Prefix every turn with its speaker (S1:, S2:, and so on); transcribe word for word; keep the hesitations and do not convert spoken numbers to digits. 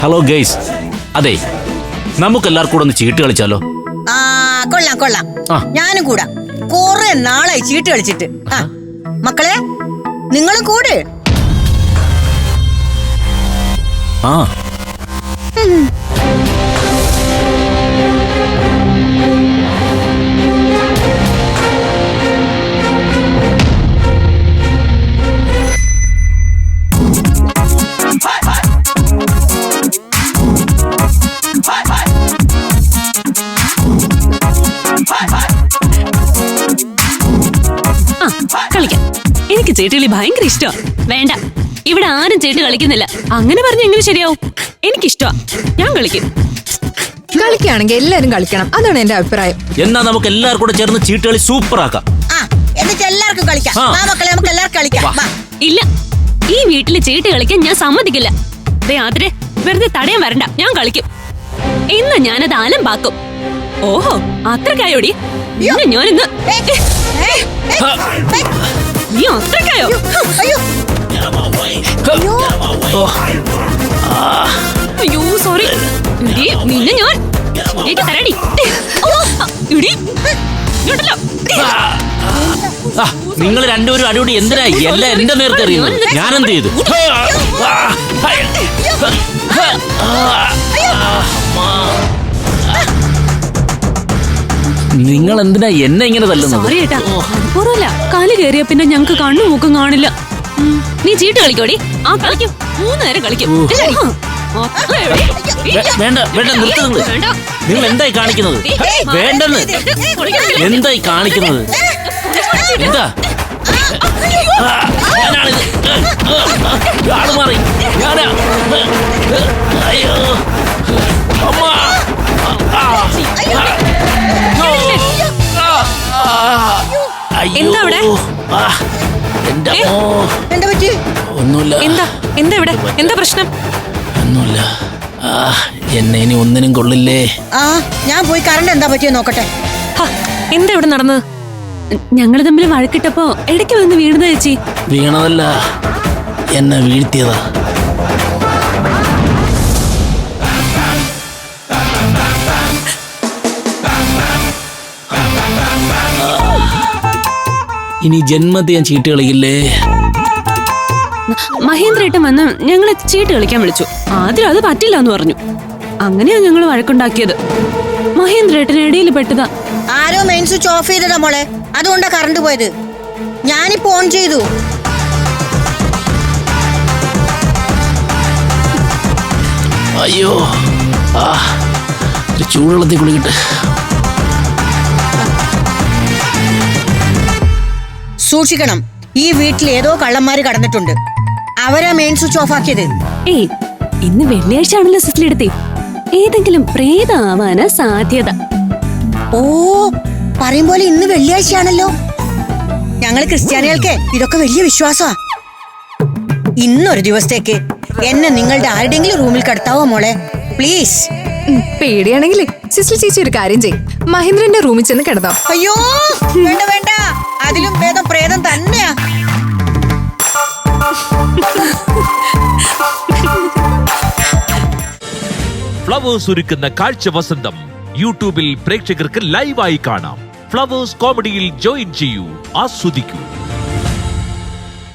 S1: Hello guys, അതെ നമുക്കെല്ലാവർക്കും കൂടെ ഒന്ന് ചീട്ട് കളിച്ചാലോ?
S2: ആ കൊള്ളാം കൊള്ളാം, ഞാനും കൂടാ. കൊറേ നാളായി ചീട്ട് കളിച്ചിട്ട്. ആ മക്കളെ, നിങ്ങളും കൂടെ.
S1: ആ
S3: കളിക്കാം. എനിക്ക് ചീട്ടുകളി ഭയങ്കര ഇഷ്ടമാ. വേണ്ട, ഇവിടെ ആരും ചീട്ട് കളിക്കുന്നില്ല. അങ്ങനെ പറഞ്ഞ എങ്ങനെ ശരിയാവും? എനിക്കിഷ്ടമാ, ഞാൻ കളിക്കും.
S4: കളിക്കുകയാണെങ്കിൽ എല്ലാരും കളിക്കണം, അതാണ് എന്റെ അഭിപ്രായം.
S1: എന്നാ നമുക്ക് എല്ലാവർക്കും കൂടെ ചേർന്ന് ചീട്ട് കളി സൂപ്പർ ആക്കാം.
S2: എന്നിട്ട് എല്ലാവർക്കും കളിക്കാം. മക്കളെ, നമുക്ക് എല്ലാവർക്കും കളിക്കാം.
S3: ഇല്ല, ഈ വീട്ടില് ചീട്ട് കളിക്കാൻ ഞാൻ സമ്മതിക്കില്ല. ആദ്രെ വെറുതെ തടയാൻ വരണ്ട, ഞാൻ കളിക്കും. ഇന്ന് ഞാനത് അലമ്പാക്കും. ഓഹോ, അത്രക്കായോടി? ഞാനിന്ന് നീ അത്രക്കായോ? അയ്യോ സോറി, നിന്നെ ഞാൻ തരടി.
S1: നിങ്ങൾ രണ്ടുപേരും അടിപൊളി. എന്തിനായി എല്ലാം എന്റെ നേരത്തെ അറിയുന്നത്? ഞാനെന്ത് ചെയ്തു? നിങ്ങൾ എന്തിനാ എന്നെ ഇങ്ങനെ തല്ലുന്നത്?
S3: സോറി ഏട്ടാ, അതുപോരല്ല. കാല് കയറിയ പിന്നെ ഞങ്ങക്ക് കണ്ണു മൂക്കും കാണില്ല. നീ ചീട്ട് കളിക്കോടി? ആ കളിക്കും, മൂന്ന് നേരം കളിക്കും.
S1: വേണ്ട വേണ്ട, നിർത്ത്. നിങ്ങൾ നിങ്ങൾ എന്തായി കാണിക്കുന്നത്? വേണ്ടെന്ന്. എന്തായി കാണിക്കുന്നത്? എന്താ ഞാനാണിത്? ആള് മാറി. ഞാനാ. അയ്യോ അമ്മ.
S3: എന്താ അവിടെ?
S1: ഒന്നുമില്ല.
S3: എന്താ എന്താ ഇവിടെ? എന്താ പ്രശ്നം?
S1: ഒന്നുമില്ല. എന്നെ ഇനി ഒന്നിനും കൊള്ളില്ലേ.
S2: ആ ഞാൻ പോയി കറണ്ട് എന്താ പറ്റിയോ നോക്കട്ടെ.
S3: എന്താ ഇവിടെ നടന്നത്? ഞങ്ങള് തമ്മിൽ വഴക്കിട്ടപ്പോ ഇടയ്ക്ക് വന്ന് വീണതാ ചേച്ചി.
S1: വീണതല്ല, എന്നെ വീഴ്ത്തിയതാ. ഇനി ജന്മത്തെ ഞാൻ ചീട്ട് കളിക്കില്ലേ.
S3: മഹേന്ദ്രേട്ടൻ വന്ന് ഞങ്ങളെ ചീട്ട് കളിക്കാൻ വിളിച്ചു. ആദ്യം അത് പറ്റില്ല എന്ന് പറഞ്ഞു. അങ്ങനെയാ ഞങ്ങൾ വഴക്കുണ്ടാക്കിയത്. മഹേന്ദ്രേട്ടൻ ഇടയിൽ പെട്ടതാ.
S2: ആരോ മെയിൻ സ്വിച്ച് ഓഫ് ചെയ്തതാ മോളെ, അതുകൊണ്ടാ കറണ്ട് പോയത്. ഞാനിപ്പോ ഓൺ ചെയ്തു.
S1: അയ്യോ, ആ ചൂടുവെള്ളത്തിൽ കുളിക്കട്ടെ.
S2: സൂക്ഷിക്കണം, ഈ വീട്ടിൽ ഏതോ കള്ളന്മാര് കടന്നിട്ടുണ്ട്. അവരാ മെയിൻ സ്വിച്ച് ഓഫ് ആക്കിയത്.
S3: ഏയ്, ഇന്ന് വെള്ളിയാഴ്ച ആണല്ലോ സിസ്ലിടത്തെ. ഏതെങ്കിലും പ്രേതമാവാനാ സാധ്യത.
S2: ഓ, പറയും പോലെ ഇന്ന് വെള്ളിയാഴ്ചയാണല്ലോ. ഞങ്ങള് ക്രിസ്ത്യാനികൾക്ക് ഇതൊക്കെ വലിയ വിശ്വാസമാ. ഇന്നൊരു ദിവസത്തേക്ക് എന്നെ നിങ്ങളുടെ ആരുടെങ്കിലും റൂമിൽ കടത്താവോ മോളെ, പ്ലീസ്?
S4: പേടിയാണെങ്കിലേ സിസ്റ്റർ ചേച്ചി ഒരു കാര്യം ചെയ്യും, മഹേന്ദ്രന്റെ റൂമിൽ ചെന്ന് കിടന്നോ.
S2: അയ്യോ വേണ്ട വേണ്ട, അതിലും ഭേദം പ്രേതം തന്നെയാ.
S5: ഫ്ലവേഴ്സ് ഒരുക്കുന്ന കാഴ്ച വസന്തം യൂട്യൂബിൽ പ്രേക്ഷകർക്ക് ലൈവായി കാണാം. ഫ്ലവേഴ്സ് കോമഡിയിൽ ജോയിൻ ചെയ്യൂ, ആസ്വദിക്കൂ.